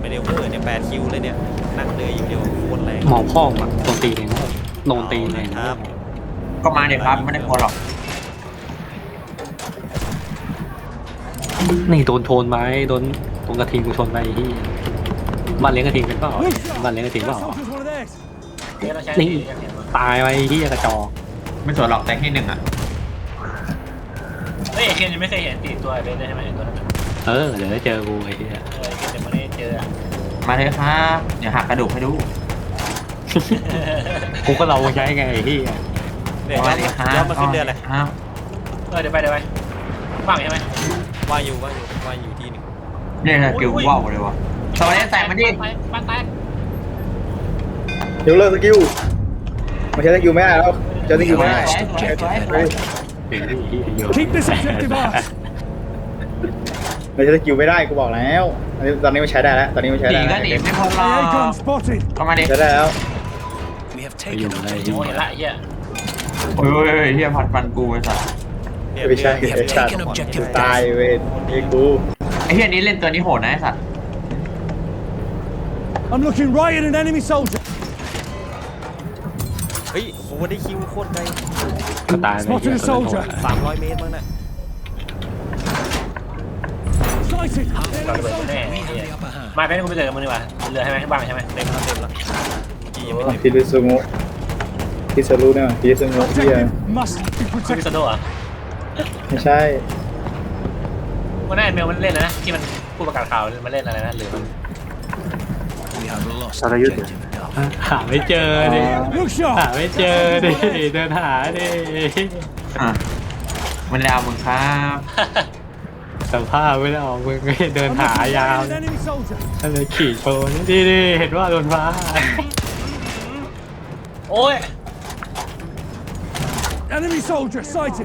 ไม่ได้เวอร์เนี่ย8 คิวเลยเนี่ยนั่งเลยอยู่เดียวโคตรแรงหมอพ่อแบบโดนตีเองโดนตีเองครับก็มาเดี๋ยวครับไม่ได้พอหรอกนี่โดนชนไหมโดนตรงกระทิงกูชนไปที่บ้านเลี้ยงกระทิงเป็นเปล่าบ้านเลี้ยงกระทิงเปล่านี่ตายไปที่กระจอกไม่สวยหรอกแต่ที่หนึ่งอ่ะเฮ้ยเคนยังไม่เคยเห็นตีตัวเป็นได้ใช่ไหมตัวนั้นเดี๋ยวได้เจอกูไอ้ที่เคนยังไม่ได้เจอมาเลยครับเดี๋ยวหักกระดูกให้ดูกูก็เราใช้ไงไอ้ที่เนี่ยมาเลยครับย้อนมาขึ้นเดือนเลยครับเดี๋ยวไปว่างใช่ไหมว่างอยู่ที่หนึ่งเนี่ยนะกิวว่าวเลยวะสวัสดีใส่มาดิบ้านแตกเดี๋ยวเลิกสกิลมาใช้สกิลไม่ได้แล้วใช้สกิลไม่ได้ Keep this objective up มาใช้สกิลไม่ได้กูบอกแล้วตอนนี้มันใช้ได้แล้วตอนนี้มันใช้หนีได้ก็หนีไม่พ้นหรอกก็มาดิใช้ได้แล้วอยู่ในโอ้เห็นละเฮียโอ้ยเฮียผัดฟันกูไอ้สัสไม่ใช่ไอ้สัตว์กูตายเว้ยนี่กูไอ้เฮียนี้เล่นตัวนี้โหดนะไอ้สัส I'm looking right at an enemy soldier. เฮ้ยโหได้คิวโคตรไกลก็ตายไป 300 เมตรมั้งน่ะ Sighted. เราจะเบิดแน่มาเป็นกูไปเจอมึงดีกว่าเรือใช่ไหมบ้านใช่ไหมเต็มแล้วเมื่อกี้ยังไม่เต็มพิริสุงุพิสรุเนี่ยพิริสุงุที่ Objective must be คุณพิ protected. ซโดอ่ะไม่ใช่วันนั้นเมลมันเล่นแล้วนะที่มันผู้ประกาศข่าวมันเล่นอะไรนะหรือมันสารยุทธ์หาไม่เจอดิ Look หา sharp. ไม่เจอดิเดินหาดิอ่ะมันดาวมึงครับสภาพไม่ได้ออกมึงเดิน I'm หา looking ยาว right at an enemy soldier. อะไรขี่โชว์นี่ดิเห็นว่าโดนฟ้าโอ้ย Enemy soldier sighted.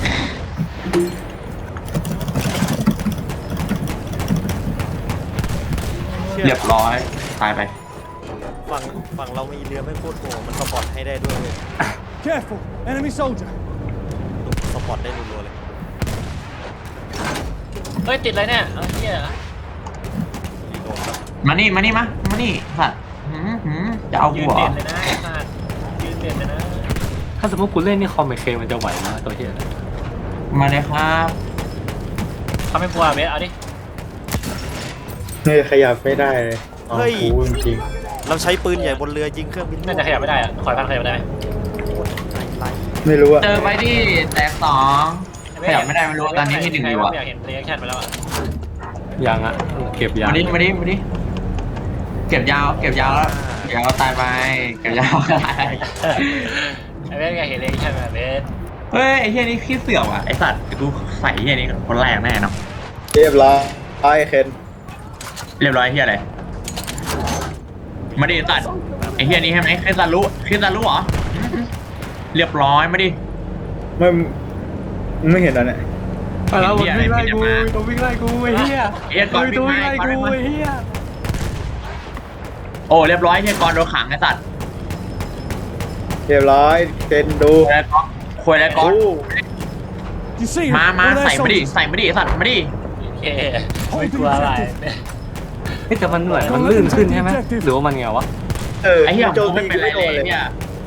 เรียบร้อยตายไปฝั่งเรามีเรือไม่โคตรโหดมันสปอร์ตให้ได้ด้วยเว้ย Careful. Enemy soldier. สปอร์ตได้รัวๆเลยเฮ้ยติดอะไรเนี่ยเฮียรีโหลดครับมานี่สัตว์จะเอายืกูนเหรเด่อนเลยนะไอ้สัตว์ยืนเด่นเลยนะถ้าสมมติกูเล่นนี่คอมเมเคมันจะไหวไหมตัวเฮียมาเลยครับเขาไม่กลัวเบสเอาดิเนี่ยขยับไม่ได้เลยกูจริงเราใช้ปืนใหญ่บนเรือยิงเครื่องบินน่าจะขยับไม่ได้อะคอยพันขยับไม่ได้ไหมไล่ไม่รู้อะเจอไปดิแตกสองขยับไม่ได้ไม่รู้ตอนนี้ที่หนึ่งอยู่อ่ะอยากเห็นเรีแอคชั่นไปแล้วอ่ะยังอ่ะเก็บยางมาดิเก็บยาวแล้วเดี๋ยวตายไปเก็บยาวตายไอ้เบสอยากเห็นเรีแอคชั่นแบบเบสเฮ้ยไอ้เฮียนี่ขี้เสือกว่ะไอ้สัตว์เดี๋ยวกูใส่เฮียนี่คนแรกแน่เนาะเรียบร้อยไอ้เคนเรียบร้อยเฮียอะไรมาดิสัตว์ไอ้เฮียนี่ใช่ไหมคริสตัลรู้เหรอเรียบร้อยมาดิไม่เห็นแล้วเนี่ยแล้วมันวิ่งไล่กูตัววิ่งไล่กูไอ้เหี้ยเฮียก่อนวิ่ตัวงวิ่งไล่ไล่กูไอ้เหี้ยโอ้เรียบร้อยเฮียก่อนโดนขังไอ้สัตว์เรียบร้อยเคนดูควยแล้วก่อน You see him? มา One of their ใส่มาดิ soldiers. ไอ้สัตว์มาดิโอเคไม่กลัวอะไรแต่มันเหมือนมันลื่นขึ้นใช่ไหมหรือว่ามันไงวะไอ้เฮียโจกูมไม่ตีเป็นไรไม่โดเลยนเลยเนี่ย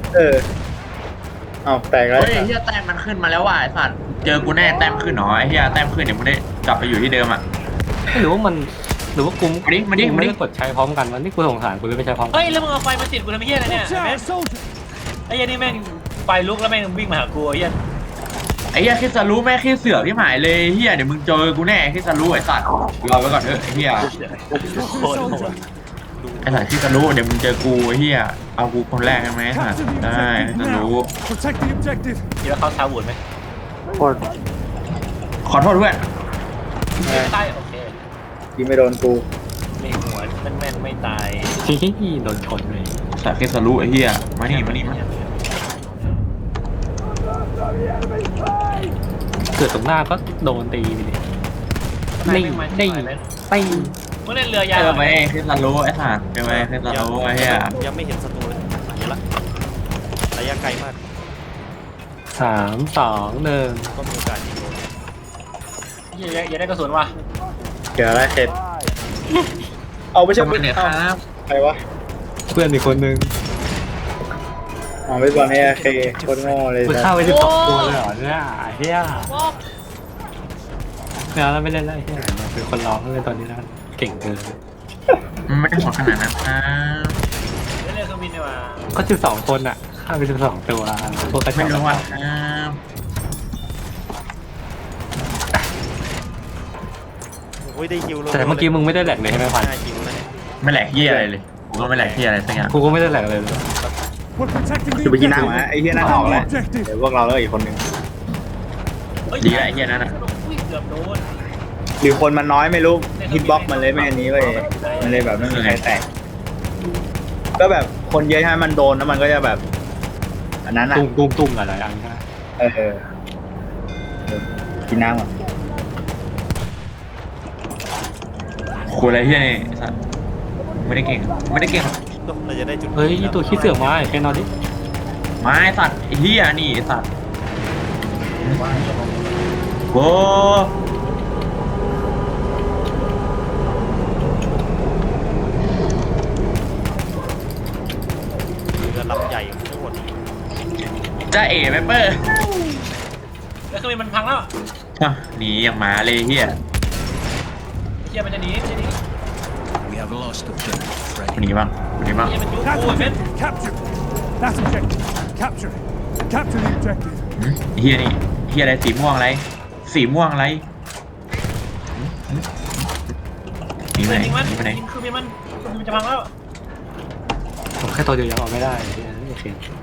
เอาแตกแล้วเฮ้ยเฮียแต้มมันขึ้นมาแล้วว่ะไอ้สัตว์เจอกูแน่แต้มขึ้นเหรอไอ้เฮียแต้มขึ้นเดี๋ยวมึงได้กลับไปอยู่ที่เดิมอ่ะหรือว่ามันหรือว่ากูมาดิไม่ได้กดใช้พร้อมกันวันนี้กูสงสารกูเลยไม่ใช้พร้อมกันเฮ้ยแล้วมึงเอาไฟมาติดกูทำไมเฮียอะไรเนี่ย Watch out, soldier. ไอ้เฮียนี่แม่งไฟลุกแล้วแม่งวิ่งมาหากูเฮียไอ้เฮียคิดจะรู้แม่คิดเสือกที่หมายเลยเฮียเดี๋ยวมึงเจอกูแน่คิดจะรู้ไอ้สัตว์รอไว้ก่อนเถอะไอ้เฮียโคตรโหดไอ้สัตว์คิดจะรู้เดี๋ยวมึงเจอกูไอ้เฮียเอากูคนแรกใช่ไหมไอ้สัตว์ Capture the ได้คิด objective จะรู้ now. Protect the objective. คิดว่าเขาท้าวุ่นไหมขอโทษเพื่อนใต้โอเคยิงไม่โดนกูไม่หัวแม่นไม่ตายที่โดนชนเลยสัตว์คิดจะรู้ไอ้เฮียมานี่เกิดตรงหน้าก็โดนตีไปดินี่ตีมึงเล่นเรือยาวเจอไหมคิดจะรู้ไอ้สัตว์เจอไหมคิดจะรู้ไอ้เฮียยังไม่เห็นศัตรูเลยเห็นละระยะไกลมาก 3 2 1 ก็มีโอกาสยิงโดนอย่าได้กระสุนว่ะเกี่ยวอะไรเคนเอาไม่ใช่ทำไมเนี่ยครับใครวะเพื่อนอีกคนนึงอ๋อไม่บอลให้เคโคตรโง่เลยมันนะฆ่าไป12 ตัวเลยเหรอเนี่ยเฮียไม่เอาแล้วไม่เล่นแล้วเฮียเป็นคนร้องเลยตอนนี้นะเก่งเกินมันไม่ได้โหดขนาดนั้นครับเล่นเครื่องบินดีกว่าก็12 คนอ่ะฆ่าไป12 ตัวพวกกระจไม่อกรู้ว่าครับโอ้ยได้ฮิวเลยแต่เมื่อกี้มึงไม่ได้แหลกเลยใช่ไหมพัน 5ฮิวนะเนี่ยไม่แหลกเหี้ยอะไรเลยกูก็ไม่แหลกเหี้ยอะไรสักอย่างกูก็ไม่ได้แหลกเลย We're protecting the จะไปกินหน้า objective. หมาไอ้เหี้ยหน้าออกแล้ว Objective. เดี๋ยวพวกเราแล้วอีกคนนึงดีแล้วไอ้เหี้ยนั่นน่ะอุ้ยเกือบโดนหรือคนมันน้อยไม่รู้ฮิตบ็อกมันเลยไม่อันนี้เว้ยมันเลยแบบไม่มีใครแตก ก็แบบคนเยอะใช่ไหมมันโดนแล้วมันก็จะแบบ อันนั้นอ่ะตุ้มอะไรอันนี้เออกินน้ำก่อนกูอะไรเหี้ยนี่ไอ้สัสไม่ได้เก่งไม่ได้เก่งหรอกเราจะได้จุดเฮ้ยตัวขี้เสือกมาแค่นอนดิไม้สัตว์ไอ้เหี้ยนี่ไอ้สัตว์โว้เรือลำใหญ่ทั้งหมดจ้าเอ๋แมปเปอร์แล้วเครื่องบินมันพังแล้วอ่ะหนีอย่างหมาเลยเหี้ยเฮียมันจะหนีมันจะหนี We have lost objective, คนนี้บ้างคนนี้บ้างเฮียมันยุบ That's กูเม็ด objective. Capture. That's objective. Capture it. Capture the objective. หืมไอ้เหี้ยนี่เหี้ยอะไรสีม่วงอะไรสีม่วงอะไรหนีไปไหนยิงมันหนีไปไหนยิงเครื่องบินมันเครื่องบินมันจะพังแล้วผมแค่ตัวเดียวยังเอาไม่ได้เฮียโอเค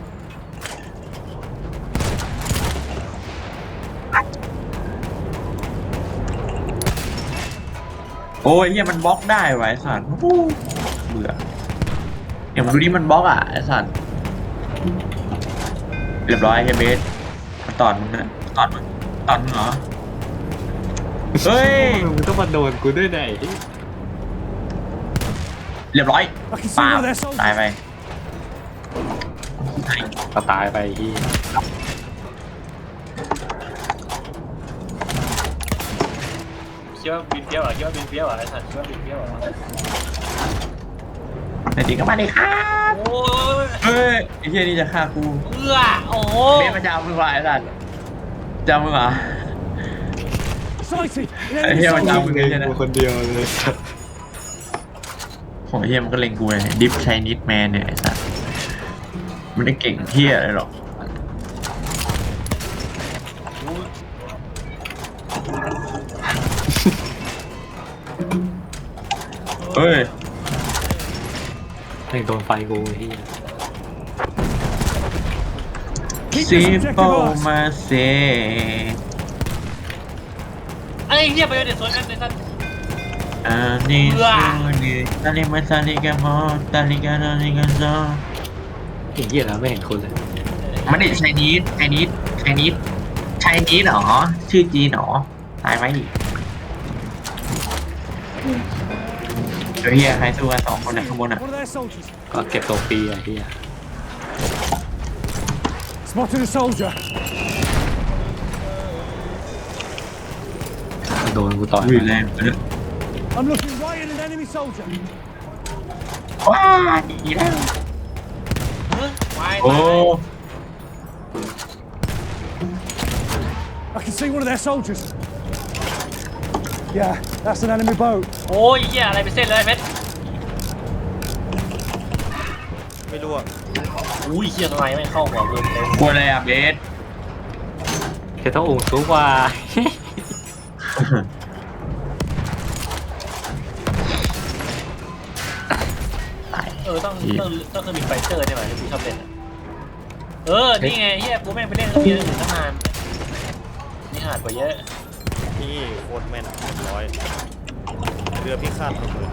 โอ้ยเหี้ยมันบล็อกได้ไวะไอ้สัตว์โอ้เบื่อเดี๋ยวมึงดูนี่มันบล็อกอ่ะไอ้สัตว์เรียบร้อยไอ้เฮียเบสมันตอดมึงนะตอดมึงเหรอเฮ้ยมึงต้องมาโดนกูด้วยไหนเรียบร้อยปาบตายไปก็ตายไปที่คิดว่าบินเปี้ยวเหรอคิดว่าบินเปี้ยวเหรอไอ้สัตว์คิดว่าบินเปี้ยวเหรอในจริงก็มาดิครับโอ้ยเฮ้ยไอ้เฮียนี่จะฆ่ากูเอื้อโอ้โหเบสมันจะเอามึงว่ะไอ้สัตว์จะเอามึงเหรอ Sighted. An ไอ้ enemy เฮียมันจะเอา soldier. มึงเลยใช่ไหมคนเดียวเลยโหเฮียมันก็เล็งกูเลยดิฟไชนิดแมนเนี่ยไอ้สัตว์มันได้เก่งเฮียอะไรหรอกเฮ้ยไม่โดนไฟกูที่ Keep ซี this โฟ objective ours. มาเซไอ้เฮียไปเดี๋ยวสวนกันไอ้สัตว์อันนี้ซูนี่ตาลิมาตาลิกามอตาลิกาตาลิกาโซไอ้เหี้ยแล้วไม่เห็นคนเลยมันได้ไชนีสเหรอชื่อจีนเหรอตายไหมเฮียใครสู้กัน2 คนนะข้างบนอ่ะ One of their soldiers. ก็เก็บตัวฟรีไอ้เหี้ย Spotted a soldier. โดนกูต่อยอุ้ยแรงเลย I'm looking right at an enemy soldier. ว้าดีแล้ววายโอ้ I can see one of their soldiers. Yeah, that's an enemy boat. โอ้ยเฮียอะไรไปเส้นเลยไอ้เม็ดไม่รู้อะอุ้ยเฮียทำไมไม่เข้าหัวมึงเลยกลัวอะไรอ่ะเบสแค่ต้ององค์สูงกว่าต้องเครื่องบินไฟเตอร์ได้ไหมที่กูชอบเล่นอะนี่ไงเฮียกูแม่งไปเล่นเครื่องบินอื่นตั้งนานนี่หาดกว่าเยอะนี่โคตรแม่น100เรือพิฆาตระเบิด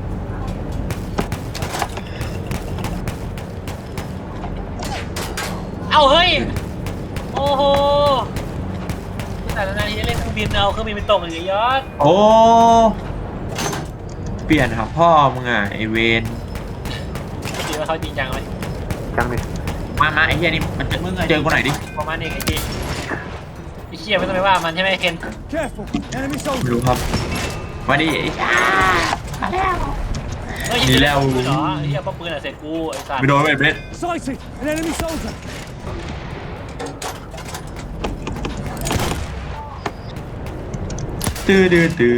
เอ้าเฮ้ยโอ้โหแต่นานๆทีจะเล่นเครื่องบินเอาเครื่องบินไปตกอย่างเงี้ยยอดโอ้เปลี่ยนหาพ่อมึงอ่ะไอเวนคิดว่าเขาจริงจังไหมจังเลยมาไอเฮียนี่มันเจอกูหน่อยดิประมาณนี้ไอ้จีไอ้เชี่ยไม่ต้องไปว่ามันใช่ไหมเคน Careful. Enemy ไม่ soldier. รู้ครับมาดิไอ้ชามาแล้วเฮ้ยดีแล้วเหรอไอ้เหี้ยป้อมปืนอ่ะเสร็จกูไอ้สัตว์ไม่โดนเบส Sighted! An enemy soldier! ตื้อ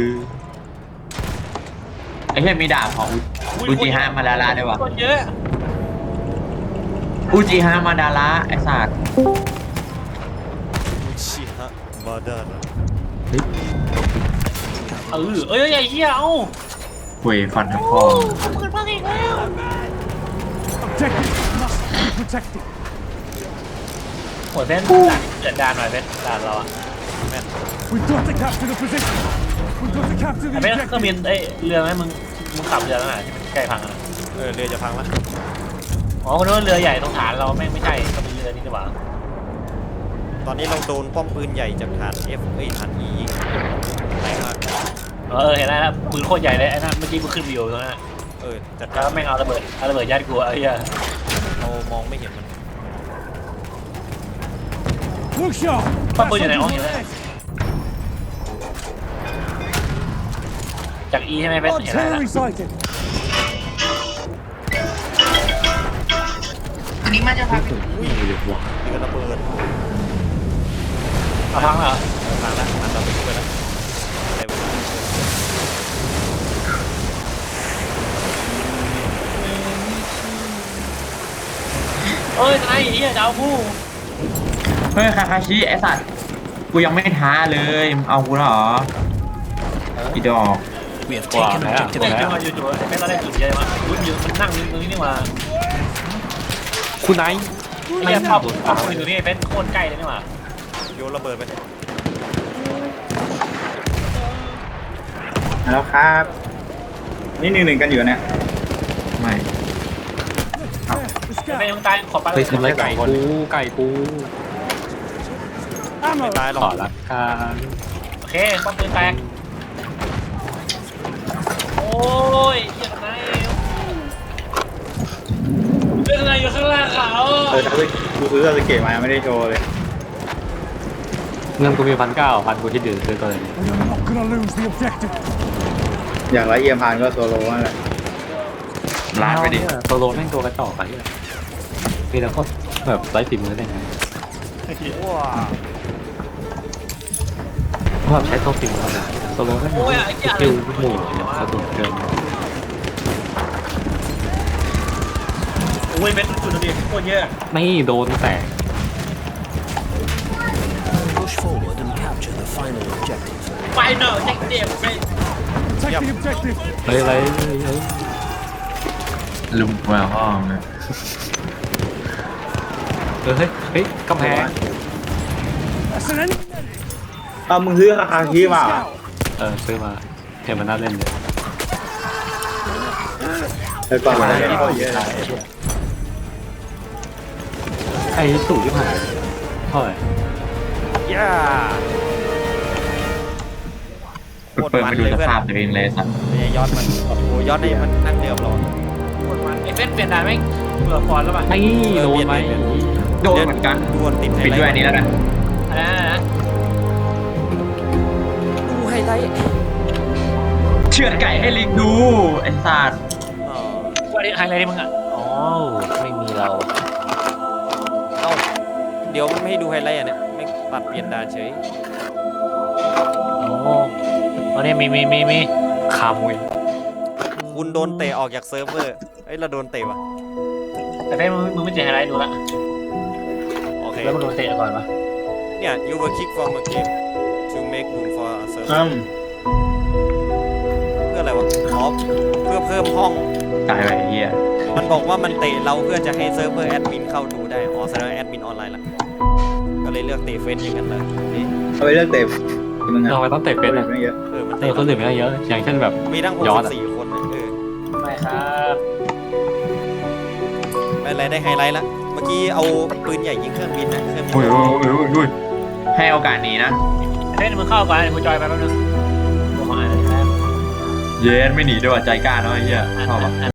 ไอ้เหี้ยมีดาบของอูจิฮะมาดาระด้วยวะคนเยอะอูจิฮะมาดาระไอ้สัตว์อุชิฮะมาดาระเอ้ยไอ้เหี้ยเอ้าคุยฟันทั้งพ่อปืนพังอีกแล้ว Objective must be protected. หัวเส้นเกิดดานหน่อยเส้นดานเราอะ We've got to capture the position. We've got to capture ไอ้ the เส้นเครื่องบิน objective. เอ้ยเรือไหมมึงขับเรือแล้วน่ะที่มันใกล้พังอ่ะเรือจะพังละอ๋อคนนึกว่าเรือใหญ่ตรงฐานเราไม่ใช่ก็เป็นเรือนี่ดีกว่าตอนนี้เราโดนป้อมปืนใหญ่จากฐาน F ฐาน E ยิงแรงมากเห็นแล้วปืนโคตรใหญ่เลยไอ้นั่นเมื่อกี้กูขึ้นวิวตรงนั้นจัดแล้กาว รแม่งเอาระเบิดยัดกูไอ้เหี้ยเรามองไม่เห็นมัน Look sharp. Pas That beau, il y en a soldier's un, il y en a on un. edge. จาก E ใช่ไหมเส้นเห็นแล้ว Artillery sighted. อุ้ยเรือระเบิดเอาพังเหรอพังละมันเราไปช่วยแล้วได้เวลาเอ้ยไอ้เหี้ยจะเอากูเฮ้ยคาคาชิไอ้สัตว์กูยังไม่ท้าเลยมึงเอากูเหรออีดอกกว่าแล้วเฮ้ยมาอยู่ๆไอ้แม่เราได้จุดใหญ่มากอุ้ยมันนั่งตรงนี้นี่มาคุณไนท์ไอ้ภาพปืนตรงนี้เป็นโคตรใกล้เลยนี่มาโยนระเบิดไปแล้วครับ นี่1-1กันอยู่เนี่ยไม่ There, the เป็น scout. ยังตายขอปลาไปทำไรไก่กู Ammo. ไม่ตายหรขออก ละกันโอเคป้อมปืนแตกโอ้ยเหี้ยไงเป็นอะไรอยู่ข้างล่างเขากูซื้อซาสึเกะมาไม่ได้โชว์เลยเงินกูมี1,900 กูที่ดื่มซื้อตัวนี้ We are not gonna lose the objective. อย่างไรเอียมพานก็โซโล่นั่นแหละลาดไปดิโซโลแม่งตัวกระจอกไปเลยมีแต่พวกแบบไร้ฝีมือได้ไงว้าเพราะแบบใช้ตัวฝีมือนะโซโลแม่งสกิลหมู่เนี่ยสะดุดเกินโอ้ยเป็นจุดเดียวโคตรเยอะไม่โดนแตก Push forward and capture the final objective. ไฟเนอร์แจ็คเดียบเป็น Take the objective. เฮ้ยลุมมาห้องนะเฮ้ยกำแพง That's an enemy. เอามึงซื้อคาคาชิมาเหรอ Scout. ซื้อมาเห็นมันน่าเล่นเลยเออก่อนมาเนี่ยเขาเยอะเลยไอ้สูตรที่ผ่านเท่าไหร่ย่าโคตรเปิดมัไปนดูเลยสเพื่อนภาพตัวเองเลยสัตว์เนี่ยยอดมันโอ้โหยอดได้มันนั่งเดิมหรอไอ้เฟสเปลี่ยนด่านไหมเบื่อฟอนแล้วป่ะไอ้โดนไหมโดนเหมือนกันดวลติดไฮปิดไลด้วยอันท์นี้แล้วกันอะไรนะดูไฮไลท์เชือดไก่ให้ลิงดูไอ้สัตว์อ๋อว่าไฮไลท์มึงอ่ะอ๋อไม่มีเราเอ้าเดี๋ยวมันไม่ให้ดูไฮไลท์อ่ะเนี่ยไม่ตัดเปลี่ยนดานเฉยโอ้ตอนนี้มีคามุยคุณโดนเตะออกจากเซิร์ฟเวอร์เอ้ยเราโดนเตะว่ะแต่เฟสมึงไม่เจอไฮไลท์ดูละโอเคแล้วมึงโดนเตะก่อนปะเนี่ย you were kick from a game to make room for a server เพื่ออะไรวะอ๋อเพื่อเพิ่มห้องตายไปไอ้เหี้ยมันบอกว่ามันเตะเราเพื่อจะให้เซิร์ฟเวอร์แอดมินเข้าดูได้ อ๋อแสดงว่าแอดมินออนไลน์ละก็เลยเลือกเตะเฟซอย่างนั้นเลยนี่เอาไปเลือกเตะมึงอะเราไปต้องเตะเป็นไม่เยอะมันเอเตะอคนอื่นไม่ได้เยอะ อย่างเช่นแบบมีทั้งย้อนอะ 64คนนะไม่ครับไม่เป็นไรได้ไฮไลท์ละ เมื่อกี้เอาปืนใหญ่ยิงเครื่องบินนะเครื่องบินอุ้ยให้โอกาสนี้นะเฟสมึงเข้าก่อนกูจอยไปแป๊บนึงกูมาอ่านเลยครับเย็นไม่หนีด้วยว่ะใจกล้าเนาะไอ้เหี้ยชอบอ่ะ